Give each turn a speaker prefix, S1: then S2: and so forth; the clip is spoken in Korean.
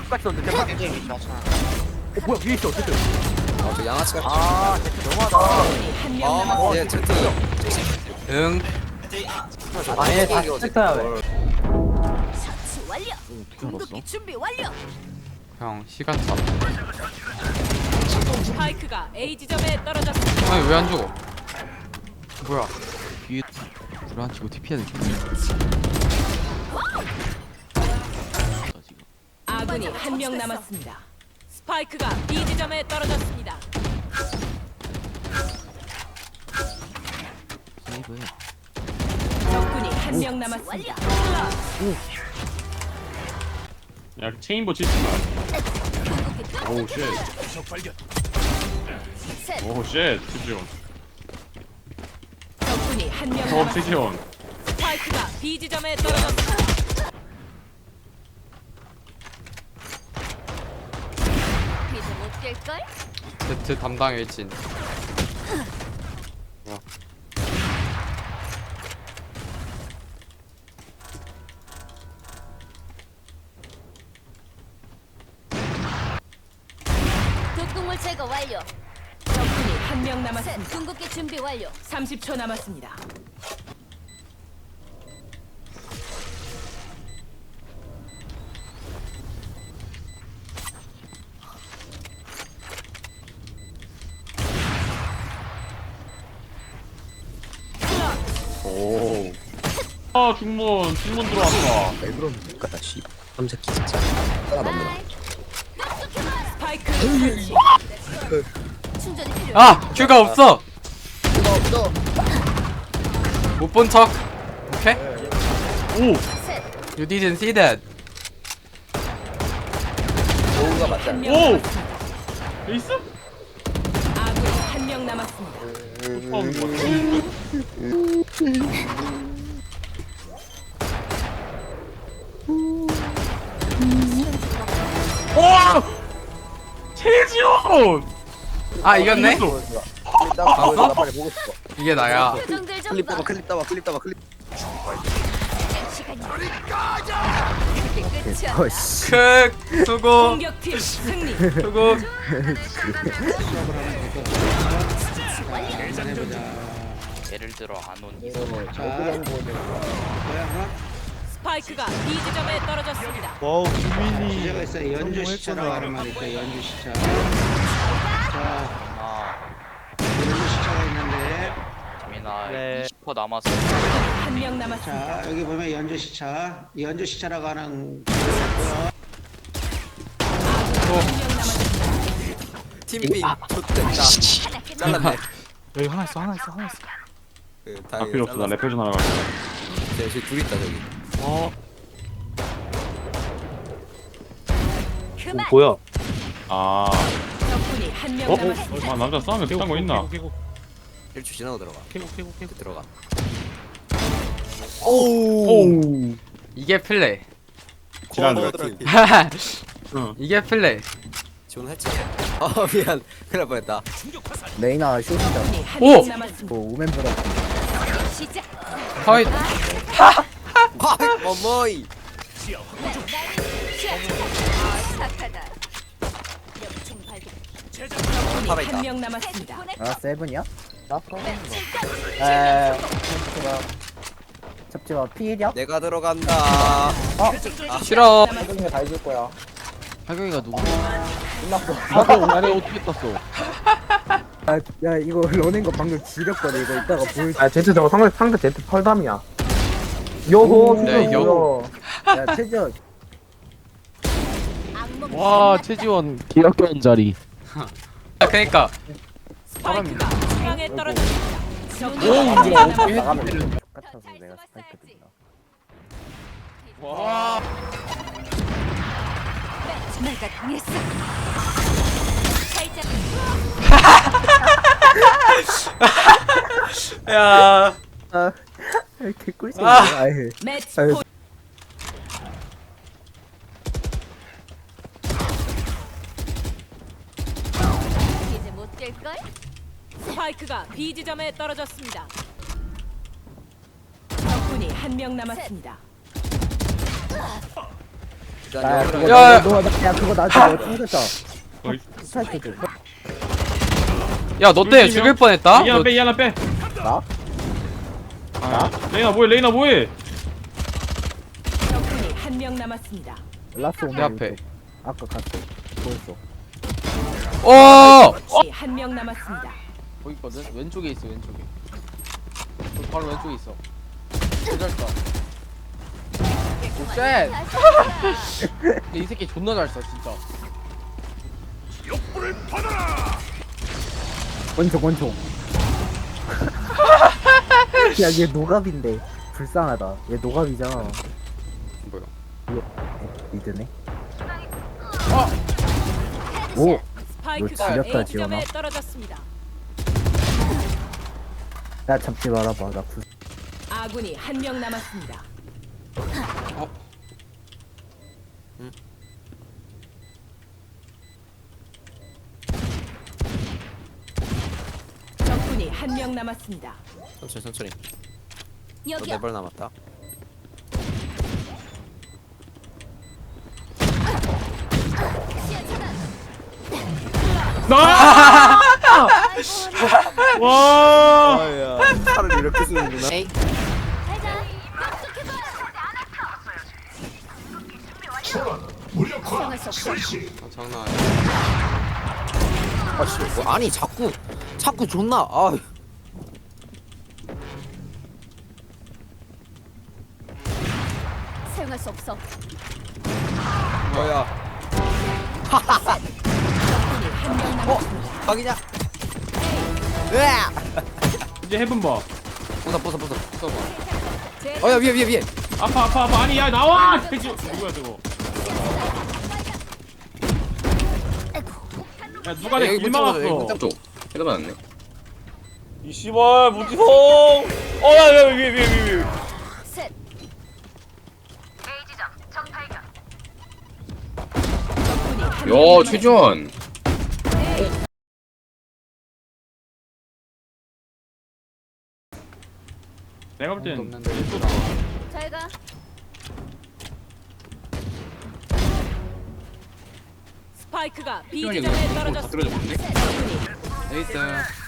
S1: 똑같이 던져 대박.
S2: 굉장히 맞잖아.
S1: 뭐야 위에 있어 어쨌든.
S3: 저 양아치가
S1: 아 진짜 너무하다.
S4: 한명 남았습니다.
S3: 네, 제트
S5: 응.
S1: 아예 다시 했어야 왜?
S4: 처치 완료. 궁극기 준비 완료.
S5: 형 시간 차.
S4: 스파이크가 A 지점에 떨어졌습니다.
S5: 아니 왜 안 죽어? 뭐야?
S6: 뒤에 불안 치고 TP해야 돼.
S4: 아군이 한 명 남았습니다. 스파이크가 B 지점에 떨어졌습니다.
S6: 세이브해.
S4: 적군이 한 명 남았습니다.
S7: 야 체인버 치지마. 오우 쉣. 오우 쉣. 최지원.
S4: 적군이 한 명
S7: 어
S4: 남았습니다.
S7: 최지원.
S4: 스파이크가 B 지점에 떨어졌습니다. 이제 못 깰걸?
S5: 제트 담당 일진.
S8: 독극물 제거 완료.
S4: 적군이 한 명 남았습니다.
S8: 궁극기 준비 완료.
S4: 30초 남았습니다.
S3: 오
S7: 아 중문 들어왔다.
S3: 왜 그럽니까 씨 삼새끼 진짜 따라 넘는다
S4: 스파이크 설치.
S8: 충전이 필요해.
S5: 아 큐가 없어. 못 본 척. 오케이.
S7: 오.
S5: You didn't see that.
S3: 오우가 맞지
S4: 한
S3: 않나?
S4: 명
S7: 오!
S4: 남았습니다.
S7: 에이스?
S4: 아군이 한 명 남았습니다.
S7: 와! 최지원!
S5: 아 이겼네.
S7: 이겼어.
S3: 클립 따봐 나 빨리 보고 싶어
S5: 이게 나야.
S8: 표정들 좀
S3: 클립
S8: 봐.
S3: 따봐 클립 따봐 클립 따봐 클립
S8: 시간이 이렇게 끝이야.
S3: 어이씨
S5: 크 수고
S4: 공격팀 승리.
S5: 수고.
S2: 예를 들어 안온
S4: 스파이크가 B 지점에 떨어졌습니다.
S9: 주제가 있어. 연주 시차라고 하는 말이 있다. 연주 시차. 자,
S2: 아
S9: 연주 시차가 있는데,
S2: 재민아 20% 남았어.
S4: 한 명 남았습니다.
S9: 자 여기 보면 연주 시차. 연주 시차라고 하는
S4: 한명 남았습니다.
S3: 팀빙 좆됐다 잘랐네
S1: 여기 하나 있어.
S3: 그
S7: 아 필요 없어. 나 레페전 하러 갈게.
S3: 저기 둘 있다 저기
S8: 그만.
S1: 뭐야?
S7: 아.
S4: 적군이 한 명 남았습니다.
S7: 아 남자 싸움에 그딴 거 있나?
S3: 1초 지나고 들어가 들어가
S7: 오.
S5: 이게 플레이.
S7: 지난주에.
S3: 팀
S7: 응.
S5: 이게 플레이.
S3: 지원했지 미안 큰일 날 뻔했다
S10: 레이나 쇼시다.
S4: 적군이 한
S5: 오!
S4: 명 남았습니다.
S10: 뭐 오멘보다
S8: 시작.
S5: 허이.
S3: 어머이
S8: 착하다. 총 발견.
S4: 적군이
S3: 살아있다.
S4: 한 명 남았습니다.
S10: 아 세븐이야? 에 잡지마 피해냐?
S3: 내가 들어간다
S5: 싫어.
S10: 세븐이가 다 해줄 거야.
S6: 하경이가 누구?
S10: 끝났어.
S6: 나를 어떻게 떴어?
S10: 야 이거 러닝 거 방금 지렸거든. 이거 이따가 보여줄.
S1: 아 제트 저거 상대 제트 펄담이야. 요호
S5: 네,
S1: 수준
S5: 요호.
S1: 보여.
S10: 야 최저
S8: 악몽.
S6: 와 최지원 기억견 자리.
S5: 아, 그니까
S4: 스파이크가 중앙에 떨어졌습니다. 적군이
S6: 오,
S4: 한 명
S6: 뭐야.
S4: 남았습니다.
S10: 나가면 똑같아서 내가 스파이크 든다.
S7: 와.
S8: 내가 당했어. 살짝
S5: 야.
S10: 아 개꿀잼.
S5: 아.
S10: 아예.
S4: 매치
S10: 아유.
S4: 포인트.
S8: 이제 못 깰걸?
S4: 스파이크가 B 지점에 떨어졌습니다. 적군이 한 명 남았습니다.
S10: 야 그거
S5: 야,
S10: 야 그거 나한테 뭐 찾았다.
S7: 어이.
S10: 스파이크 좀.
S5: 야, 너 때문에 죽일 뻔했다?
S7: 이 하나 빼, 이 하나 빼.
S10: 나?
S7: 아, 레이나 뭐해, 레이나 뭐해?
S4: 적군이 한 명 남았습니다.
S10: 라스 오면
S5: 내 앞에.
S10: 왼쪽. 아까 갔어. 보였어.
S4: 한 명 남았습니다.
S6: 거기 있거든? 왼쪽에 있어 왼쪽에 바로 왼쪽에 있어 잘했다 오쉣 이 새끼 존나 잘써 진짜
S10: 원총. 야얘 노갑인데 불쌍하다. 얘 노갑이잖아.
S3: 뭐야?
S10: 미드네. 오.
S4: 스파이크가
S10: 지렸다,
S4: A 지점에
S10: 지원아.
S4: 떨어졌습니다.
S10: 야 잡지 말아봐. 나 구.
S4: 아군이 한 명 남았습니다. 적군이 한 명 남았습니다.
S3: 천천히.
S8: 여기요.
S3: 4발 남았다.
S7: 나! 와!
S3: 아야. 팔을 이렇게 쓰는구나.
S8: 가자. 수상할 수 없어.
S3: 아, 장난 아니야. 아, 씨, 뭐, 아니 자꾸 존나. 아,
S8: 사용할 수 없어.
S3: 뭐야? 각이냐? 으아!
S7: 이제 해본 봐.
S3: 부숴. 어야 위에.
S7: 아파. 아니, 야, 나와! 돼지. 누구야, 저거? 야, 누가 내 길 막았어?
S3: 쪽. 헤드 맞았네.
S5: 이 씨발, 무지성! 야, 위에.
S8: 셋.
S4: 야,
S3: 최준.
S7: 내가 볼 땐.
S8: 잘 가.
S4: 스파이크가 B 지점에 떨어졌습니다. 적군이
S5: 에이스.